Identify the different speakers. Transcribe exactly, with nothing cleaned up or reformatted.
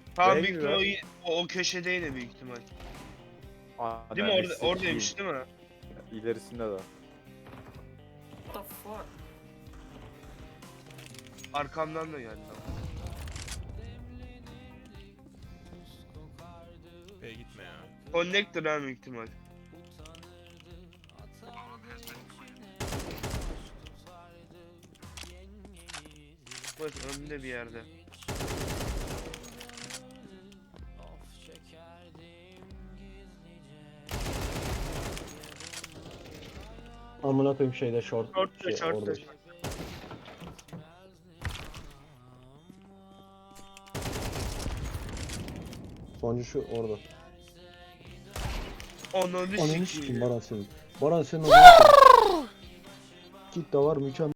Speaker 1: Tamam
Speaker 2: B'ye
Speaker 1: büyük
Speaker 2: gidiyor.
Speaker 1: ihtimal o, o, o köşede yine büyük ihtimal.
Speaker 2: Aa,
Speaker 1: Değil mi?
Speaker 2: yani
Speaker 1: Orada,
Speaker 2: sikeyim.
Speaker 1: oradaymış değil mi?
Speaker 2: İlerisinde de.
Speaker 3: What the fuck?
Speaker 1: Arkamdan da geldi. Ama.
Speaker 4: B'ye gitme ya.
Speaker 1: Connector ha büyük ihtimal. Evet önünde bir yerde.
Speaker 5: Amına koyayım şeyde short.
Speaker 1: Short'ta
Speaker 5: Şey,
Speaker 1: short'ta.
Speaker 5: orada. Sonuncu şu orada.
Speaker 1: Ananı
Speaker 5: Ananı
Speaker 1: sikeyim.
Speaker 5: sikeyim Baran senin. Baran senin ananı sikeyim. Kit de var mükemmel.